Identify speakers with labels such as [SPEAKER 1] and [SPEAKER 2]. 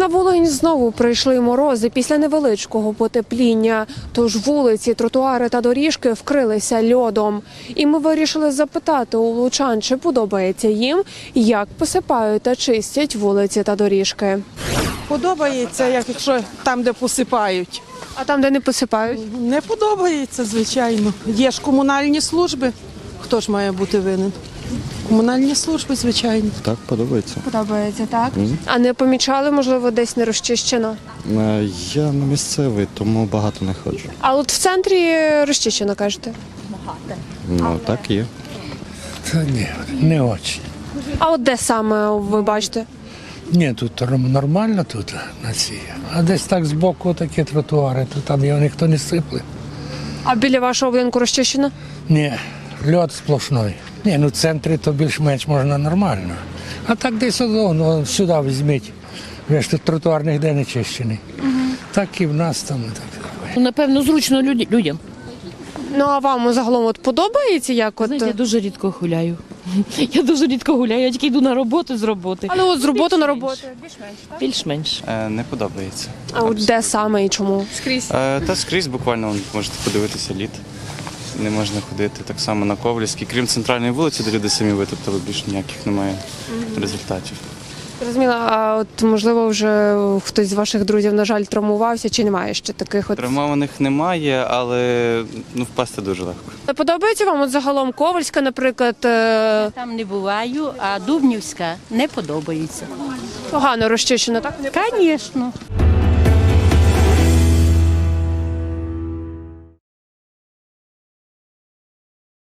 [SPEAKER 1] На Волинь знову прийшли морози після невеличкого потепління, тож вулиці, тротуари та доріжки вкрилися льодом. І ми вирішили запитати у лучан, чи подобається їм, як посипають та чистять вулиці та доріжки.
[SPEAKER 2] Подобається, якщо там, де посипають.
[SPEAKER 1] А там, де не посипають?
[SPEAKER 2] Не подобається, звичайно. Є ж комунальні служби. Хто ж має бути винен? Комунальні служби, звичайно.
[SPEAKER 3] Так, подобається.
[SPEAKER 1] Подобається, так? А не помічали, можливо, десь не розчищено?
[SPEAKER 3] Я не місцевий, тому багато не ходжу.
[SPEAKER 1] А от в центрі розчищено, кажете?
[SPEAKER 3] Ну, так є.
[SPEAKER 4] Та ні, не очень.
[SPEAKER 1] А от де саме ви бачите?
[SPEAKER 4] Ні, тут нормально тут на цій. А десь так збоку такі тротуари, то там його ніхто не сипле.
[SPEAKER 1] А біля вашого будинку розчищено?
[SPEAKER 4] Ні, льод сплошний. Ні, ну в центрі то більш-менш можна нормально. А так десь ну, сюди візьміть. Ви ж тут тротуар ніде не чищений. Так і в нас там. Так.
[SPEAKER 5] Напевно, зручно людям.
[SPEAKER 1] Ну, а вам загалом от подобається, як от?
[SPEAKER 5] Знаєте, я дуже рідко гуляю. Я дуже рідко гуляю, я тільки йду на роботу з роботи.
[SPEAKER 1] Але от з роботи на роботу?
[SPEAKER 5] Більш-менш.
[SPEAKER 6] Не подобається.
[SPEAKER 1] А от де саме і чому? Скрізь.
[SPEAKER 6] Та скрізь буквально можете подивитися лід. Не можна ходити так само на Ковальській. Крім центральної вулиці, де люди самі витоптали, більше ніяких немає результатів.
[SPEAKER 1] Зрозуміло, а от можливо вже хтось з ваших друзів, на жаль, травмувався чи немає ще таких от?
[SPEAKER 6] Травмованих немає, але впасти дуже легко.
[SPEAKER 1] Подобається вам от загалом Ковальська, наприклад,
[SPEAKER 7] Там не буваю, а Дубнівська не подобається.
[SPEAKER 1] погано розчищена, так?
[SPEAKER 7] Звісно.